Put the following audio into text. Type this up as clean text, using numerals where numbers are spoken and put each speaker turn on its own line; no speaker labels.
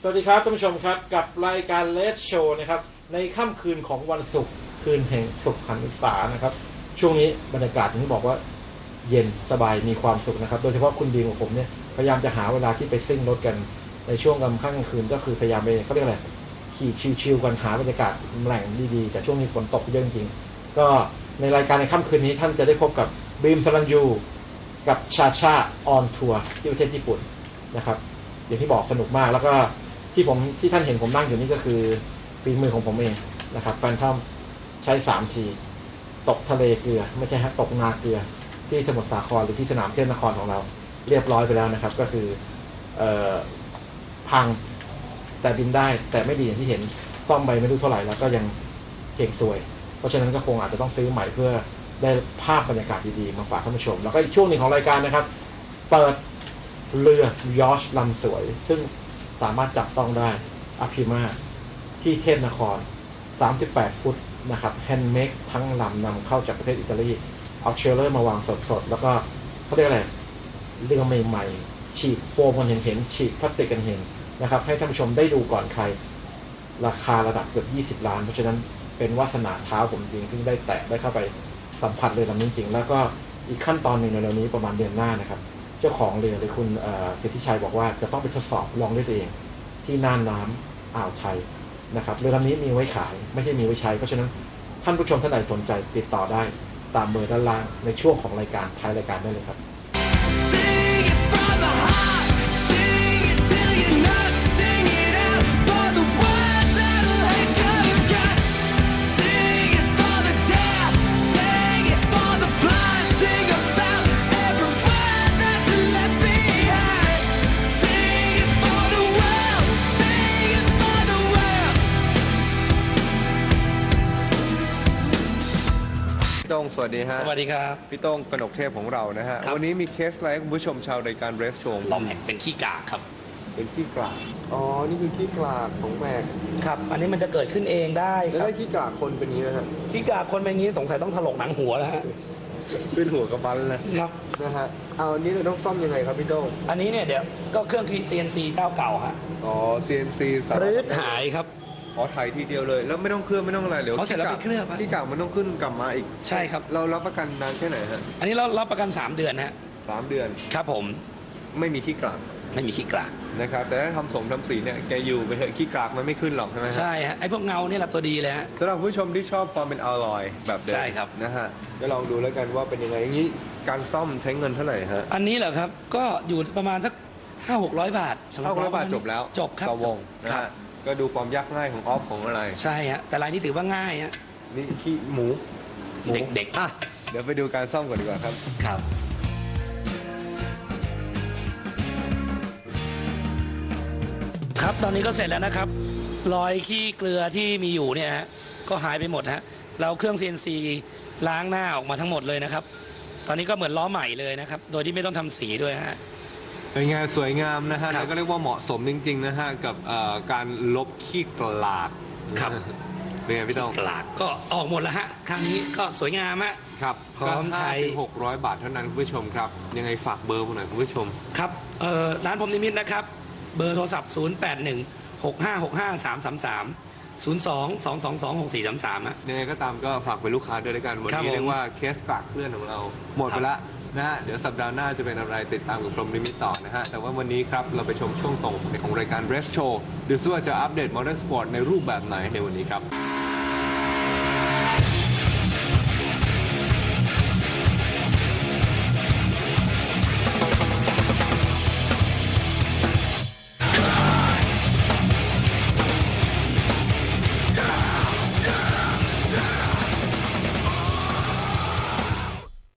วัสดีครับท่านผู้ชมครับกับรายการเลสโชว์นะครับในค่ำคืนของวันศุกร์คืนแห่งสุขหันษานะครับช่วงนี้บรรยากาศอย่างที่บอกว่าเย็นสบายมีความสุขนะครับโดยเฉพาะคุณดีมกับผมเนี่ยพยายามจะหาเวลาที่ไปซิ่งรถกันในช่วงกลางค่ำคืนก็คือพยายามไปเขาเรียกอะไรขี่ชิวๆกันหาบรรยากาศแหล่งดีๆแต่ช่วงนี้ฝนตกเยอะจริงๆก็ในรายการในค่ำคืนนี้ท่านจะได้พบกับบีมสรัญยูกับชาชาออนทัวร์ที่ประเทศญี่ปุ่นนะครับอย่างที่บอกสนุกมากแล้วก็ที่ท่านเห็นผมนั่งอยู่นี่ก็คือฝีมือของผมเองนะครับแฟนทอมใช้3 ทีตกทะเลเกลือไม่ใช่ฮะตกนาเกลือที่สมุทรสาครหรือที่สนามเทพนครของเราเรียบร้อยไปแล้วนะครับก็คือพังแต่บินได้แต่ไม่ดีอย่างที่เห็นซ่อมไปไม่รู้เท่าไหร่แล้วก็ยังเก่งซวยเพราะฉะนั้นก็คงอาจจะต้องซื้อใหม่เพื่อได้ภาพบรรยากาศดีๆมาฝากท่านผู้ชมแล้วก็อีกช่วงหนึ่งของรายการนะครับเปิดเรือยอชต์ลำสวยซึ่งสามารถจับต้องได้อภิมาที่เทพนคร38 ฟุตนะครับแฮนด์เมดทั้งลำนำเข้าจากประเทศอิตาลีเอาเชลเลอร์มาวางสดๆแล้วก็เขาเรียกอะไรเรือใหม่ๆฉีดโฟมกันเห็นฉีดพลาสติกกันเห็นนะครับให้ท่านผู้ชมได้ดูก่อนใครราคาระดับเกือบ20 ล้านเพราะฉะนั้นเป็นวาสนาเท้าผมจริงที่ได้แตะได้เข้าไปสัมผัสเรือลำนี้จริงแล้วก็อีกขั้นตอนหนึ่งในเร็วนี้ประมาณเดือนหน้านะครับเจ้าของเรือหรือคุณสิทธิชัยบอกว่าจะต้องไปทดสอบลองด้วยตัวเองที่น่านน้ำอ่าวไทยนะครับเรือลำนี้มีไว้ขายไม่ใช่มีไว้ใช้เพราะฉะนั้นท่านผู้ชมท่านใดสนใจติดต่อได้ตามเบอร์ด้านล่างในช่วงของรายการท้ายรายการได้เลยครับ
พี่โต้งสวัสดีฮะ
สวัสดีครับ
พี่โต้งกนกเทพของเรานะฮะวันนี้มีเคสอะไรให้คุณผู้ชมชาวรายการเรสโชว์
ลอมแห่งเป็นขี้กากครับ
เป็นขี้กลากอ๋อนี่คือขี้กลากของแมก
ครับ อันนี้มันจะเกิดขึ้นเองได้
แล้ว
ครับ
ถ้าขี้กลากคนเป็นนี้นะฮะ
ขี้กากคนเป็นอย่างนี้สงสัยต้องถลกหนังหัวแล้วฮะ
ขึ้นหัวกระบันเลย
ครับ
นะฮะเอาอันนี้เราต้องซ่อมยังไงครับพี่โต้ง
อันนี้เนี่ยเดี๋ยวก็เครื่อง CNC เจ้าเก่าฮะ
อ๋อ CNC สามารถ
รื้อหายครับ
อ๋อถ่ายทีเดียวเลยแล้วไม่ต้องเคลือบไม่ต้องอะไรเดี๋ยว
อ๋อเสร็จแล้วไปเคลือบฮะ
ขี้กลากมันต้องขึ้นกลับมาอีก
ใช่ครับ
เรารับประกันนานแค่ไหนฮะ
อันนี้เรารับประกัน3 เดือนฮะ
3 เดือน
ครับผม
ไม่มีขี้กลาก
ไม่มีขี้กาก
นะครับแต่ถ้าทำสีเนี่ยแกอยู่ไปเถอะขี้กลากมันไม่ขึ้นหรอกใช่ไหมฮะ
ใช่ฮะ ไอ้พวกเงาเนี่ยแหละตัวดีเลยฮะ
สำหรับผู้ชมที่ชอบความเป็นอลลอยแบบเดิม
ใช่ครับ
นะฮะก็ลองดูแล้วกันว่าเป็นยังไงอย่างนี้การซ่อมใช้เงินเท่าไหร่ฮะ
อันนี้เหรอครับ ก็อยู่ประมาณสัก500-600 บาทสำหรับ
500 บาทจบแล้ว
จบครับ
ต่อวงนะ
ครั
ฮะ
บ
ก็ดูความยากง่ายของออฟของอะไร
ใช่ฮะ แต่รายนี้ถือว่าง่ายฮะ
นี่ขี้หมู
เด็กๆ
อ่ะเดี๋ยวไปดูการซ่อมก่อนดีกว่าครับ
ครับ ครับตอนนี้ก็เสร็จแล้วนะครับรอยขี้เกลือที่มีอยู่เนี่ยฮะก็หายไปหมดฮะเราเครื่อง CNC ล้างหน้าออกมาทั้งหมดเลยนะครับตอนนี้ก็เหมือนล้อใหม่เลยนะครับโดยที่ไม่ต้องทำสีด้วยฮะ
เป็นไงสวยงามนะฮะ
ครับ
แล้วก็เรียกว่าเหมาะสมจริงๆนะฮะกับการลบขี้กลาก
ครับ
เป็นไงพี่ต้อง
กลากก็ออกหมดแล้วฮะครั้งนี้ก็สวยงามฮะ
ครับ
พร้อมใช้
600 บาทเท่านั้นคุณผู้ชมครับยังไงฝากเบอร์ผมหน่อยคุณผู้ชม
ครับร้านผมนิมิตนะครับเบอร์โทรศัพท์ 0816565333 02-222-6433ฮะ
ยังไงก็ตามก็ฝากเป็นลูกค้าด้วยแล้วกันวัน
ครับ
นี้
ผม
เรียกว่าเคสกลากเพื่อนของเราหมดไปละนะฮะเดี๋ยวสัปดาห์หน้าจะเป็นอะไรติดตามกับพรหมลิมิตต่อนะฮะแต่ว่าวันนี้ครับเราไปชมช่วงตรงของรายการ Rest Show ดูซิว่าจะอัปเดต Modern Sport ในรูปแบบไหนในวันนี้ครับ